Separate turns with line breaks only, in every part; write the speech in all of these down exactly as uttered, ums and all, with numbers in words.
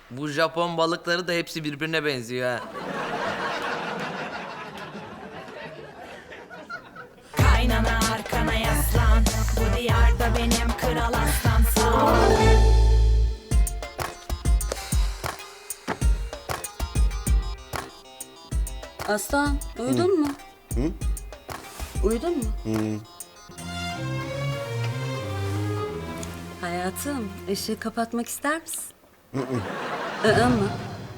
Bu Japon balıkları da hepsi birbirine benziyor ha.
Kaynana arkana yaslan, bu diyarda benim kral aslansın.
Aslan, uyudun mu?
Hı?
Uyudun mu?
Hı.
Hayatım, ışığı kapatmak ister misin? Hı hı. mı?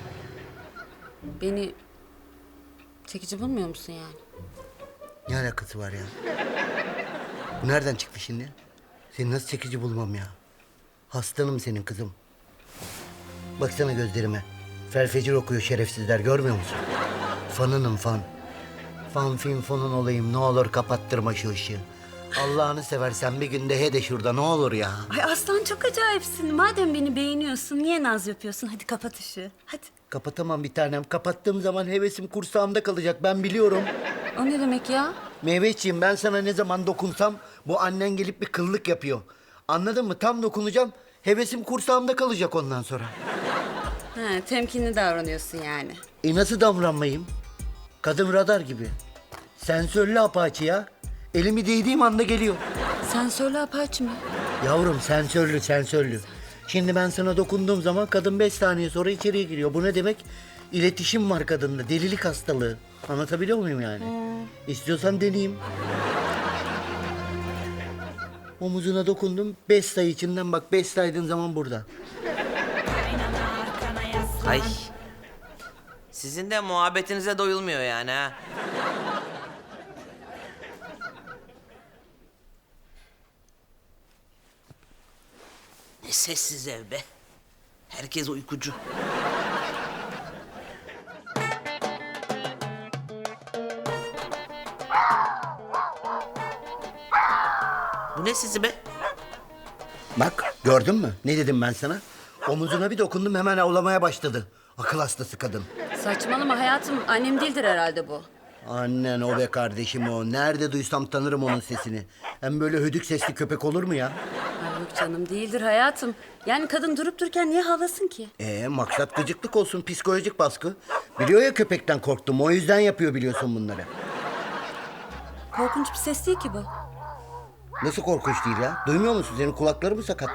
Beni çekici bulmuyor musun yani?
Ne alakası var ya? Bu nereden çıktı şimdi? Seni nasıl çekici bulmam ya? Hastanım senin kızım. Baksana gözlerime. Felfecir okuyor şerefsizler, görmüyor musun? Fanınım fan. Fan fin fonun olayım, ne olur kapattırma şu ışığı. Allah'ını seversen bir günde he de şurada, ne olur ya.
Ay Aslan çok acayipsin. Madem beni beğeniyorsun, niye naz yapıyorsun? Hadi kapat ışığı, hadi.
Kapatamam bir tanem. Kapattığım zaman hevesim kursağımda kalacak, ben biliyorum.
O ne demek ya?
Meyveciğim, ben sana ne zaman dokunsam bu annen gelip bir kıllık yapıyor. Anladın mı? Tam dokunacağım, hevesim kursağımda kalacak ondan sonra.
Ha, temkinli davranıyorsun yani.
E nasıl davranmayayım? Kadın radar gibi. Sensörlü apaçi ya. Elimi değdiğim anda geliyor.
Sen söyle Apaç mı?
Yavrum sensörlü sensörlü. Şimdi ben sana dokunduğum zaman kadın beş saniye sonra içeriye giriyor. Bu ne demek? İletişim var kadında. Delilik hastalığı. Anlatabiliyor muyum yani? İstiyorsan deneyeyim. Omuzuna dokundum. Beş sayı içinden bak. Beş saydığın zaman burada.
Ay. Sizin de muhabbetinize doyulmuyor yani ha. Ne sessiz ev be. Herkes uykucu. Bu ne sizi be?
Bak gördün mü? Ne dedim ben sana? Omuzuna bir dokundum, hemen avlamaya başladı. Akıl hastası kadın.
Saçmalama hayatım. Annem değildir herhalde bu.
Annen o be kardeşim o. Nerede duysam tanırım onun sesini. Hem böyle hödük sesli köpek olur mu ya?
Ay yok canım değildir hayatım. Yani kadın durup dururken niye havlasın ki?
Ee, maksat gıcıklık olsun, psikolojik baskı. Biliyor ya köpekten korktum, o yüzden yapıyor biliyorsun bunları.
Korkunç bir ses değil ki bu.
Nasıl korkunç değil ya? Duymuyor musun? Senin kulakları mı sakat?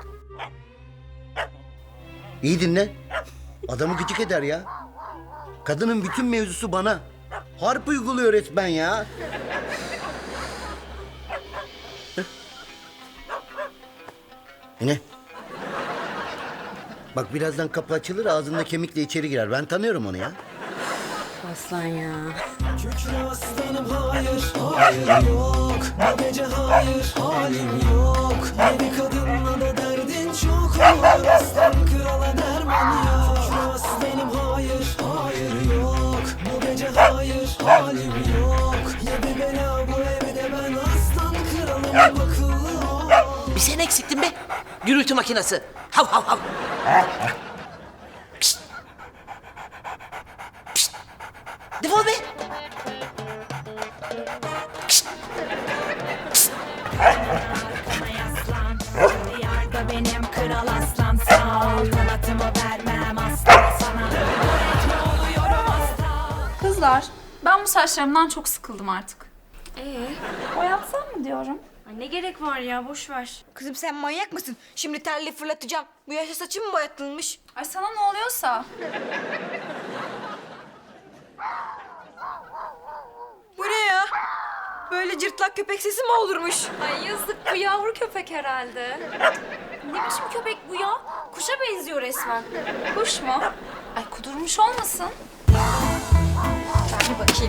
İyi dinle. Adamı gıcık eder ya. Kadının bütün mevzusu bana. Harp uyguluyor resmen ya. Heh. Ne? Bak birazdan kapı açılır, ağzında kemikle içeri girer. Ben tanıyorum onu ya.
Aslan ya.
Kükre aslanım hayır, hayır yok. Bu gece hayır, halim yok. Yedi kadınla da derdin çok olur. Aslan krala derman yok. Kükre aslanım hayır, hayır yok. Bu gece hayır, halim yok. Yedi bela bu evde, ben aslan kralım akıllı ol.
Bir sen eksiktin be. Gürültü makinesi. Hav hav hav. Pişt. Pişt. Defol be. Pişt.
Arkana yaslan, bu diyarda benim kral aslansın. Kanatımı vermem asla sana. Öğretme oluyorum asla.
Kızlar, ben bu saçlarımdan çok sıkıldım artık.
Ee,
Boyatsam mı diyorum?
ay ne gerek var ya, boş ver. Kızım sen manyak mısın? Şimdi terli fırlatacağım. Bu yaşta saçım mı boyatılmış?
Ay sana ne oluyorsa.
Bu ne ya? Böyle cırtlak köpek sesi mi olurmuş?
Ay yazık, bu yavru köpek herhalde. Ne biçim köpek bu ya? Kuşa benziyor resmen.
Kuş mu? Ay kudurmuş olmasın?
Bir bakayım.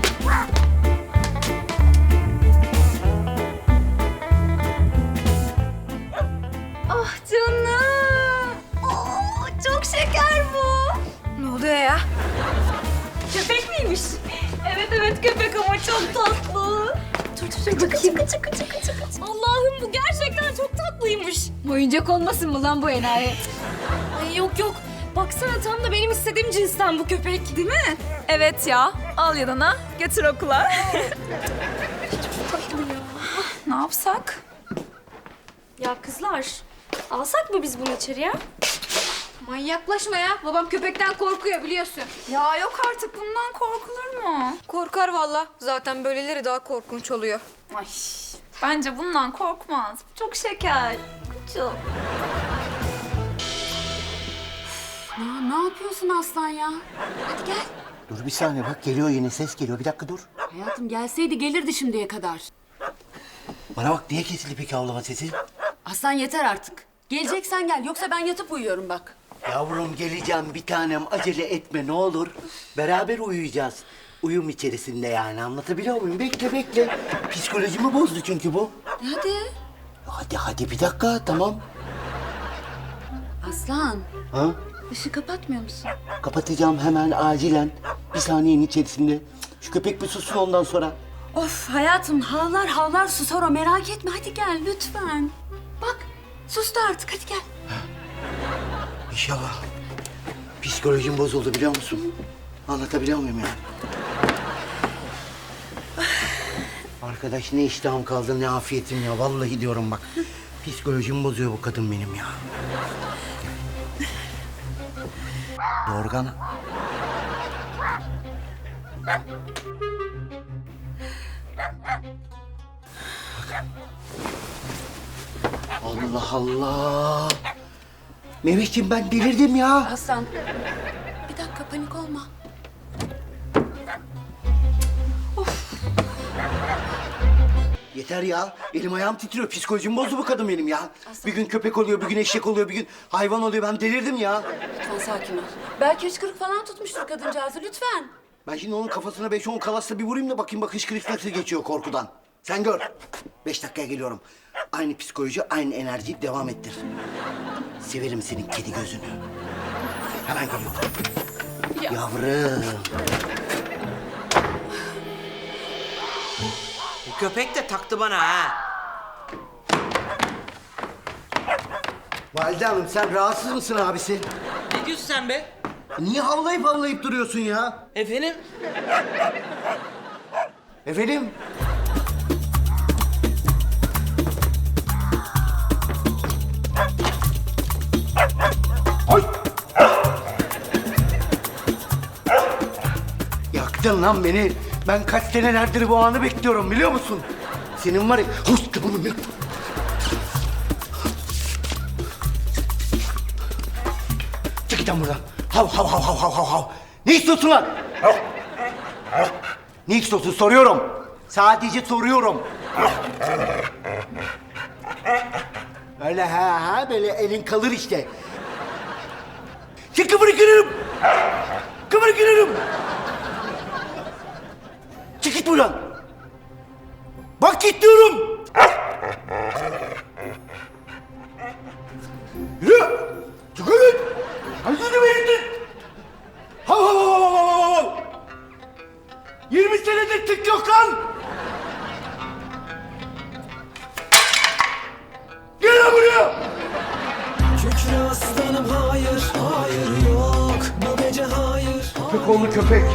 Ah canım. Oo, çok şeker bu.
Ne oluyor ya?
Köpek miymiş? Evet evet köpek ama çok tatlı. Dur dur dur bakayım. Çıkı çıkı çıkı çıkı. Allah'ım bu gerçekten çok tatlıymış.
Oyuncak olmasın mı lan bu enayi?
Ay yok yok. Baksana tam da benim istediğim cinsten bu köpek. Değil mi?
Evet ya. Al yanına, götür okula. Ne yapsak?
Ya kızlar, alsak mı biz bunu içeriye? Manyaklaşma ya. Babam köpekten korkuyor biliyorsun.
Ya yok artık bundan korkulur mu?
Korkar valla. Zaten böyleleri daha korkunç oluyor.
Ay bence bundan korkmaz. Bu çok şeker. Kucu.
Ya ne yapıyorsun Aslan ya? Hadi gel.
Dur bir saniye bak geliyor yine ses geliyor. Bir dakika dur.
Hayatım gelseydi gelirdi şimdiye kadar.
Bana bak niye kesildi peki havlama sesi?
Aslan yeter artık. Geleceksen gel yoksa ben yatıp uyuyorum bak.
Yavrum geleceğim bir tanem acele etme ne olur. Beraber uyuyacağız. Uyum içerisinde yani anlatabiliyor muyum? Bekle bekle. Psikolojimi bozdu çünkü bu.
Hadi.
Hadi hadi bir dakika tamam.
Aslan
Ha?
ışığı kapatmıyor musun?
Kapatacağım hemen acilen. Bir saniyenin içerisinde. Şu köpek bir sussun ondan sonra.
Of hayatım havlar havlar susar o merak etme hadi gel lütfen. Bak sustu artık hadi gel.
İnşallah. Psikolojim bozuldu biliyor musun? Anlatabiliyor muyum ya? Arkadaş ne iştahım kaldı ne afiyetim ya. Vallahi diyorum bak. Psikolojimi bozuyor bu kadın benim ya. Yorgan. Allah Allah. Mehmetciğim ben delirdim ya.
Aslan bir dakika panik olma.
Yeter ya. Elim ayağım titriyor. Psikolojim bozdu bu kadın benim ya. Bir gün köpek oluyor, bir gün eşek oluyor, bir gün hayvan oluyor. Ben delirdim ya.
Lütfen sakin ol. Belki hıçkırık falan tutmuştur kadıncağızı lütfen.
Ben şimdi onun kafasına beş on kalasla bir vurayım da bakayım bak hıçkırık nasıl geçiyor korkudan. Sen gör. Beş dakikaya geliyorum. Aynı psikoloji, aynı enerjiyi devam ettir. Severim senin kedi gözünü. Hemen geliyorum. Yavrum.
Bu köpek de taktı bana ha.
Valide Hanım sen rahatsız mısın abisi?
Ne diyorsun sen be?
Niye havlayıp havlayıp duruyorsun ya?
Efendim?
Efendim? Ay! Yaktın lan beni. Ben kaç senelerdir bu anı bekliyorum biliyor musun? Senin var ya... Hoş bunu ya. Çık git lan buradan. Hav hav hav hav hav hav hav. Ne istiyorsun lan? Ne istiyorsun soruyorum. Sadece soruyorum. Öyle ha ha böyle elin kalır işte. Çık kıvırı kırarım. Kıvırı kırarım. Çık git buradan. Bak git diyorum. Yürü. Çık git. Hadi verin. Hav hav hav hav hav hav hav. Yirmi senedir tık yok lan. Gel lan buraya.
Kükre aslanım hayır, hayır yok. Bu gece hayır.
Köpek oğlu köpek.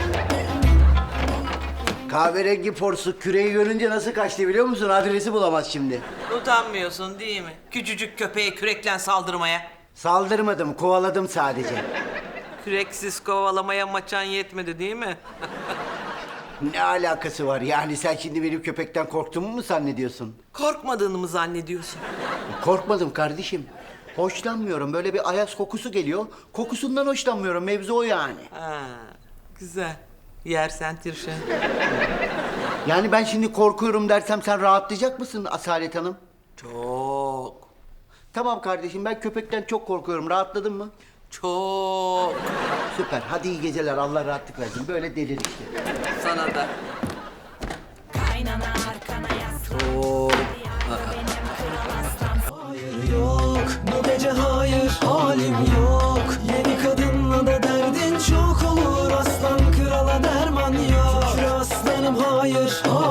Kahverengi porsu küreği görünce nasıl kaçtı biliyor musun? Adresi bulamaz şimdi.
Utanmıyorsun değil mi? Küçücük köpeğe kürekle saldırmaya.
Saldırmadım, kovaladım sadece.
Küreksiz kovalamaya maçan yetmedi değil mi?
Ne alakası var? Yani sen şimdi benim köpekten korktuğumu mu zannediyorsun?
Korkmadığını mı zannediyorsun?
Korkmadım kardeşim. Hoşlanmıyorum. Böyle bir ayaz kokusu geliyor. Kokusundan hoşlanmıyorum. Mevzu o yani.
Ha, güzel. Yersen tirşen.
Yani ben şimdi korkuyorum dersem sen rahatlayacak mısın Asalet Hanım?
Çok.
Tamam kardeşim ben köpekten çok korkuyorum. Rahatladın mı?
Çok.
Süper. Hadi iyi geceler. Allah rahatlık versin. Böyle delir işte.
Sana da.
Kaynana arkana yaslan.
Çok.
Hayır yok, bu gece hayır, halim yok. Yeni kadınla da derdin çok olur. Aslan krala derman yok. Kükre aslanım hayır, hayır.